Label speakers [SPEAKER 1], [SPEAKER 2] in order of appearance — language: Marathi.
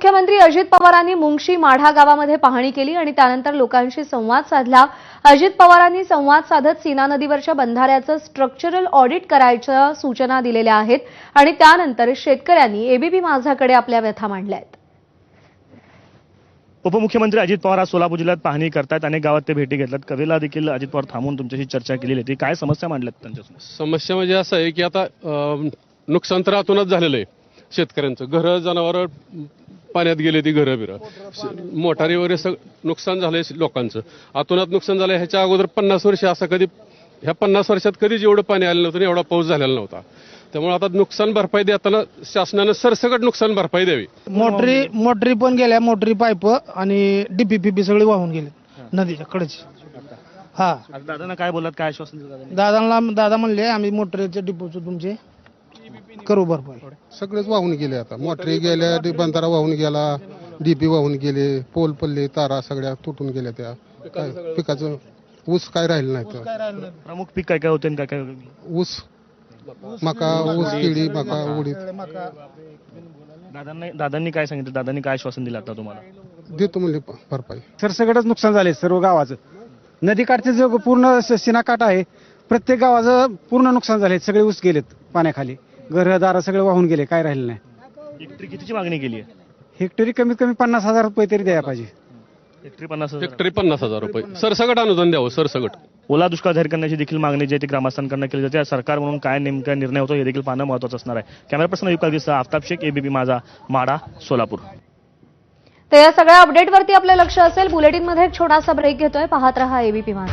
[SPEAKER 1] उपमुख्यमंत्री अजित पवारांनी मुंगशी माढा गावामध्ये पाहणी केली आणि त्यानंतर लोकांशी संवाद साधला। अजित पवारांनी संवाद साधत सीना नदीवरच्या बंधाऱ्याचं स्ट्रक्चरल ऑडिट करायच्या सूचना दिलेल्या आहेत आणि त्यानंतर शेतकऱ्यांनी एबीपी माझाकडे आपल्या व्यथा मांडल्या आहेत।
[SPEAKER 2] उपमुख्यमंत्री अजित पवार आज सोलापूर जिल्ह्यात पाहणी करतात। अनेक गावात ते भेटी घेतल्यात। कवेला देखील अजित पवार थांबून तुमच्याशी चर्चा केलेली होती। काय समस्या मांडल्यात त्यांच्यासमोर?
[SPEAKER 3] समस्या म्हणजे असं आहे की आता नुकसान तर आतूनच झालेलं आहे। शेतकऱ्यांचं घरं जनावरं पाण्यात गेले, ती घरं बिरं मोटारी वगैरे सगळं नुकसान झालंय लोकांचं। आतूनात नुकसान झालंय। ह्याच्या अगोदर 50 वर्ष असं कधी ह्या 50 वर्षात कधीच एवढं पाणी आलं नव्हतं, एवढा पाऊस झालेला नव्हता। त्यामुळे आता नुकसान भरपाई देताना शासनानं सरसकट नुकसान भरपाई द्यावी।
[SPEAKER 4] मोटरी पण गेल्या, मोटरी पाईप आणि डीपीपीपी सगळे वाहून गेले नदीच्या कडेची। हा,
[SPEAKER 2] दादांना काय बोललात, काय आश्वासन दिलं?
[SPEAKER 4] दादा म्हणले आम्ही मोटरीचे डिपोचं तुमचे करू भरपाई।
[SPEAKER 5] सगळेच वाहून गेले। आता मोटरी गेल्या, बंधारा वाहून गेला, डीपी वाहून गेले, पोल पल्ले तारा सगळ्या तुटून गेल्या। त्या पिकाचं ऊस काय राहिलं नाही।
[SPEAKER 2] प्रमुख पीक काय काय होते आणि काय काय?
[SPEAKER 5] ऊस, मका, ऊस, केळी, मका, उडीद।
[SPEAKER 2] दादांनी काय सांगितलं? दादांनी काय आश्वासन दिलं आता तुम्हाला?
[SPEAKER 5] देतो म्हणजे भरपाई।
[SPEAKER 6] सरसकटच नुकसान झाले सर्व गावाचं। नदीकाठचे जो पूर्ण सीनाकाठ आहे, प्रत्येक गावाचं पूर्ण नुकसान झाले। सगळे ऊस गेलेत पाण्याखाली, घरदार सगळे वाहून गेले, काय राहिलं नाही।
[SPEAKER 2] हेक्टरी कितीची मागणी केली आहे?
[SPEAKER 6] हेक्टरी कमीत कमी 50,000 रुपये तरी द्यायला पाहिजे।
[SPEAKER 2] हेक्टरी 50,000?
[SPEAKER 3] हेक्टरी 50,000 रुपये सरसकट अनुदान द्यावं, सरसकट।
[SPEAKER 2] ओला दुष्काळ जाहीर करण्याची देखील मागणी जी आहे ती ग्रामस्थांकडून केली जाते। सरकार म्हणून काय नेमका निर्णय होतो हे देखील पाहणं महत्त्वाचं असणार आहे। Camera person Yukta, Aftab Shaikh, ABP Majha, Madha, Solapur.
[SPEAKER 1] तर या सगळ्या अपडेटवरती आपलं लक्ष असेल। बुलेटिनमध्ये एक छोटासा ब्रेक घेतोय। पाहत रहा एबीपी माझा।